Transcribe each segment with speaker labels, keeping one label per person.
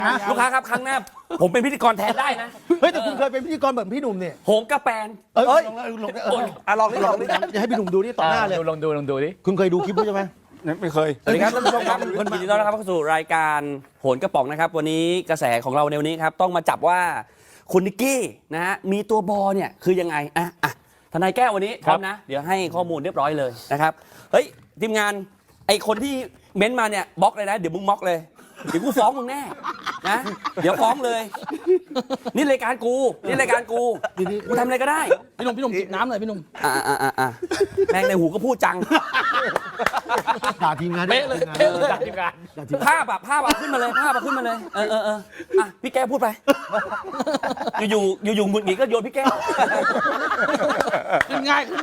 Speaker 1: ลูกค้าครับครั้งหน้าผมเป็นพิธีกรแทนได้นะ
Speaker 2: เฮ้ยแต่คุณเคยเป็นพิธีกรแบบพี่หนุ่มเนี่ย
Speaker 1: โหงกระแปน
Speaker 2: เอ้ยลอง
Speaker 3: ลองดิ
Speaker 2: จะให้พี่หนุ่มดูนี่ต่อหน้าเลย
Speaker 3: ลองดูดิ
Speaker 2: คุณเคยดูคลิปด้วยใช่ไหม
Speaker 4: ไม่เคย
Speaker 1: สวัสดีครับท่านผู้ชมครับยินดีต้อนรับเข้าสู่รายการโหนกระป๋องนะครับวันนี้กระแสของเราในวันนี้ครับต้องมาจับว่าคุณนิกกี้นะฮะมีตัวบอเนี่ยคือยังไงทนายแก้ววันนี้พร้อมนะเดี๋ยวให้ข้อมูลเรียบร้อยเลยนะครับเฮ้ยทีมงานไอคนที่เม้นต์มาเนี่ยบล็อกเลยนะเดี๋ยวมึงบล็อกเลยเดี๋ยวกูฟ้องมึงแน่นะเดี๋ยวฟ้องเลยนี่รายการกูกูทำอะไรก็ได้
Speaker 3: พี่หนุ่มจิบน้ำหน่อยพี่หนุ่ม
Speaker 1: แม่งในหูก็พูดจัง
Speaker 2: ด่าทีมงาน
Speaker 3: เป๊ะเลยจากทีมงาน
Speaker 1: ภาพขึ้นมาเลยพี่แก้วพูดไปอยู่หงุดหงิดก็โยนพี่แก้ว
Speaker 3: ขึ้นง่าย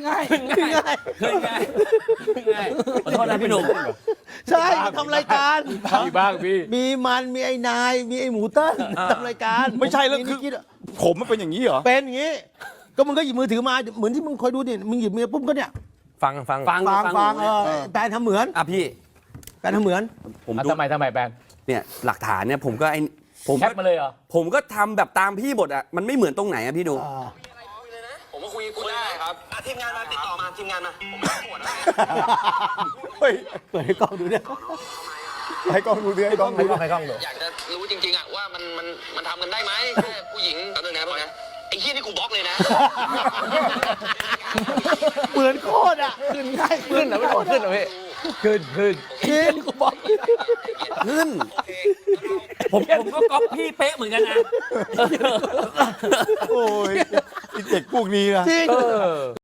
Speaker 1: ขอโทษนะพี่หนุ่ม
Speaker 2: ใช่ทำรายการ
Speaker 3: มีบ้างพี่
Speaker 2: มีมันมีไอ้นายมีไอ้หมูเติ้ลทำรายการ
Speaker 4: ไม่ใช่แล้วคือ ผมมันเป็นอย่างนี้เหรอ
Speaker 2: เป็นอย่างนี้ ก็มึงก็หยิบมือถือมาเหมือนที่มึงคอยดูนี่มึงหยิบมือปุ๊บก็เนี่ย
Speaker 1: ฟัง
Speaker 2: แปลทำเหมือน
Speaker 1: พี่
Speaker 2: แปลทำเหมือน
Speaker 1: ผมดู
Speaker 3: ทำไมแบน
Speaker 1: เนี่ยหลักฐานเนี่ยผมก็
Speaker 3: แคปมาเลยเหรอ
Speaker 1: ผมก็ทำแบบตามพี่หมดอ่ะมันไม่เหมือนตรงไหนอ่ะพี่ดู
Speaker 5: ผมก็คุยได้ครับทีมงานมาติดต่อมาทีมงานมาผมไม่ปวดแล้ว
Speaker 4: เฮ้ย
Speaker 2: เปิดให้กล้องดูเนี่ย
Speaker 4: ให้กล้องดูดิให้กล้องดูดิ
Speaker 5: อยากจะรู้จริงๆอะว่ามันทำกันได้ไหมแค่ผู้หญิงแป๊บนึงนะไอ้เหี้ยนี่กูบล็อกเลยนะ
Speaker 2: เหมือนโคตรอ่ะขึ้นง่าย
Speaker 3: ขึ้นเหรอพี่ขึ้นเหรอพี่ขึ้นกูบอก
Speaker 1: ขึ้นผมก็ก๊อปพี่เป๊ะเหมือนกันนะ
Speaker 4: โอ้ยไอ้เด็กพวกนี้นะ
Speaker 2: จริง